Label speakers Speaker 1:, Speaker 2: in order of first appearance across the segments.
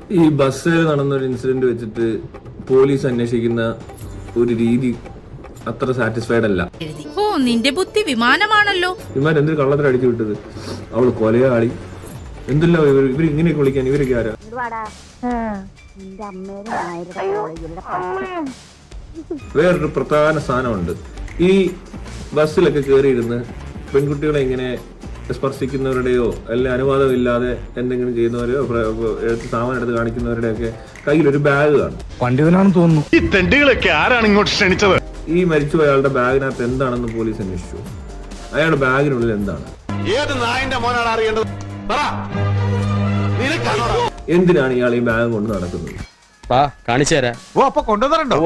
Speaker 1: ഈ ബസ്സിൽ നടന്നൊരു ഇൻസിഡന്റ് വെച്ചിട്ട് പോലീസ് അന്വേഷിക്കുന്ന ഒരു രീതി അത്ര സാറ്റിസ്ഫൈഡ് അല്ല.
Speaker 2: ഓ, നിന്റെ ബുദ്ധി വിമാനമാണല്ലോ.
Speaker 1: ഇവന്മാർ എന്തൊരു കള്ളത്തിൽ അടിച്ചു വിട്ടത്. അവള് കൊലയാളി എന്തെല്ലാം ഇവർ ഇങ്ങനെയൊക്കെ വിളിക്കാൻ ഇവരൊക്കെ ആരാ? വേറൊരു പ്രധാന സാധനമുണ്ട്. ഈ ബസ്സിലൊക്കെ കയറിയിരുന്ന് പെൺകുട്ടികളെ ഇങ്ങനെ സ്പർശിക്കുന്നവരുടെയോ അല്ലെങ്കിൽ അനുവാദമില്ലാതെ എന്തെങ്കിലും ചെയ്യുന്നവരെയോ സാമാനം എടുത്ത് കാണിക്കുന്നവരുടെ ഒക്കെ കയ്യിലൊരു ബാഗ് കാണും.
Speaker 3: പണ്ഡിതനാണെന്ന് തോന്നുന്നു.
Speaker 4: ഈ തെണ്ടികളൊക്കെ ആരാണ് ഇങ്ങോട്ട് ക്ഷണിച്ചത്?
Speaker 1: ഈ മരിച്ചുപോയ അയാളുടെ ബാഗിനകത്ത് എന്താണെന്ന് പോലീസ് അന്വേഷിച്ചു. അയാളുടെ ബാഗിനുള്ളിൽ എന്താണ്?
Speaker 4: ഏത് നായന്റെ മോനാണ് അറിയേണ്ടത്?
Speaker 1: എന്തിനാണ് ഇയാൾ ഈ ബാഗ് കൊണ്ട് നടക്കുന്നത്?
Speaker 3: കാണിച്ചു തരാം.
Speaker 4: അപ്പൊ കൊണ്ടുവന്നിട്ടുണ്ടോ?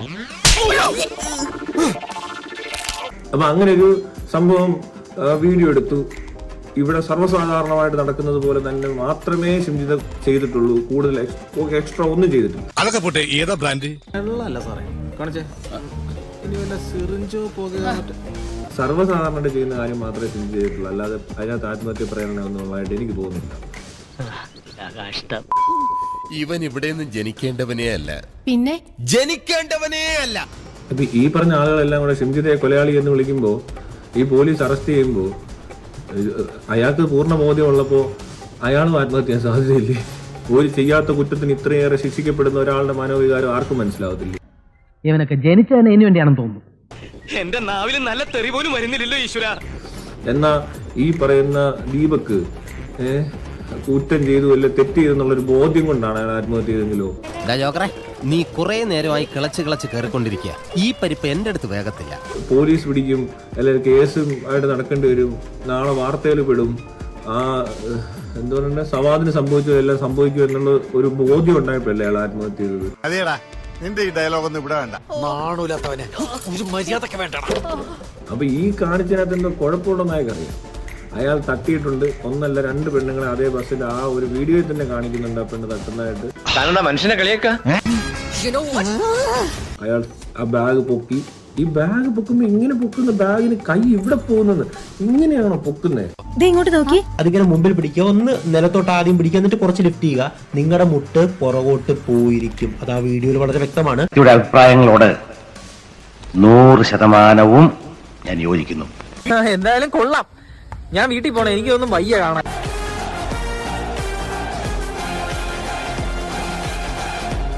Speaker 1: അപ്പൊ അങ്ങനെ ഒരു സംഭവം വീഡിയോ എടുത്തു. ഇവിടെ സർവ്വസാധാരണമായിട്ട് നടക്കുന്നത് പോലെ തന്നെ മാത്രമേ ഷിംജിത ചെയ്തിട്ടുള്ളൂ. കൂടുതൽ എക്സ്ട്രാ ഒന്നും ചെയ്തിട്ടില്ല.
Speaker 4: അതൊക്കെ പോട്ടെ, ഏതാ ബ്രാൻഡ്?
Speaker 1: സർവ്വസാധാരണമായിട്ട് ചെയ്യുന്ന കാര്യം മാത്രമേ ഷിംജി ചെയ്തിട്ടുള്ളൂ. അല്ലാതെ അതിനകത്ത് ആത്മഹത്യ പ്രേരണ ഒന്നുള്ളതായിട്ട് എനിക്ക് തോന്നുന്നില്ല.
Speaker 5: ഇവൻ ഇവിടെ നിന്ന് ജനിക്കേണ്ടവനേ അല്ല,
Speaker 2: പിന്നെ
Speaker 5: ജനിക്കേണ്ടവനേ അല്ല.
Speaker 1: അപ്പൊ ഈ പറഞ്ഞ ആളുകളെല്ലാം കൂടെ ഷിംജിതയെ കൊലയാളി എന്ന് വിളിക്കുമ്പോ, ഈ പോലീസ് അറസ്റ്റ് ചെയ്യുമ്പോൾ അയാൾക്ക് പൂർണ്ണ ബോധ്യമുള്ളപ്പോ അയാളും ആത്മഹത്യ ചെയ്യാൻ സാധ്യതയില്ലേ? ഒരു ചെയ്യാത്ത കുറ്റത്തിന് ഇത്രയേറെ ശിക്ഷിക്കപ്പെടുന്ന ഒരാളുടെ മനോവികാരം ആർക്കും മനസ്സിലാവത്തില്ല.
Speaker 6: ഇവനൊക്കെ ജനിച്ചതിന് ഇതിനു വേണ്ടിയാണെന്ന് തോന്നുന്നു.
Speaker 3: എന്റെ നാവിൽ നല്ല തെറി പോലും വരുന്നില്ലല്ലോ ഈശ്വര.
Speaker 1: എന്നാ ഈ പറയുന്ന ദീപക്ക് കുറ്റം ചെയ്തു അല്ലെ തെറ്റ് ചെയ്തെന്നുള്ളൊരു ബോധ്യം കൊണ്ടാണ് അയാൾ ആത്മഹത്യ ചെയ്തെങ്കിലോ?
Speaker 5: നീ കുറെ നേരമായി കിളച്ച് കയറിക്കൊണ്ടിരിക്കുക. ഈ പരിപ്പ് എന്റെ അടുത്ത് വേഗത്തില്ല.
Speaker 1: പോലീസ് പിടിക്കും, അല്ലെങ്കിൽ കേസും ആയിട്ട് നടക്കേണ്ടി വരും, നാളെ വാർത്തയിൽ പെടും. ആ എന്താ പറയുക, സവാദിന് സംഭവിച്ചതെല്ലാം സംഭവിക്കും എന്നുള്ള ഒരു ബോധ്യം ഉണ്ടായപ്പോഴല്ലേ അയാൾ ആത്മഹത്യ ചെയ്തത്.
Speaker 4: അതേടാ, നിന്റെ ഈ ഡയലോഗ് ഒന്നും ഇവിടെ വേണ്ട.
Speaker 1: അപ്പൊ ഈ കാണിച്ചതിനകത്ത് എന്തോ കുഴപ്പമുണ്ടെന്നായി അറിയാം. അയാൾ തട്ടിയിട്ടുണ്ട്. ഒന്നല്ല, 2 പെണ്ണുങ്ങളെ അതേ ബസ്സിൽ ആ ഒരു വീഡിയോയിൽ തന്നെ കാണിക്കുന്നുണ്ട് ആ പെണ്ണ് തട്ടുന്നതായിട്ട്.
Speaker 3: മനുഷ്യനെ കളിയാക്ക.
Speaker 1: അയാൾ ആ ബാഗ് പൊക്കി. ഈ ബാഗ് പൊക്കുമ്പോ ഇങ്ങനെ പൊക്കുന്ന ബാഗിന് കൈ ഇവിടെ പോകുന്നത് ഇങ്ങനെയാണോ പൊക്കുന്നത്?
Speaker 6: ഇങ്ങോട്ട് നോക്കി.
Speaker 7: അതിങ്ങനെ മുമ്പിൽ പിടിക്കുക, ഒന്ന് നിലത്തോട്ട് ആദ്യം പിടിക്കുക, എന്നിട്ട് കുറച്ച് ലിഫ്റ്റ് ചെയ്യുക. നിങ്ങളുടെ മുട്ട് പുറകോട്ട് പോയിരിക്കും. അത് ആ വീഡിയോയിൽ വളരെ വ്യക്തമാണ്.
Speaker 8: ഇവിടെ അഭിപ്രായങ്ങളോട് 100% ഞാൻ യോജിക്കുന്നു.
Speaker 6: എന്തായാലും കൊള്ളാം. ഞാൻ വീട്ടിൽ പോണേ, എനിക്കൊന്നും വയ്യ കാണാൻ.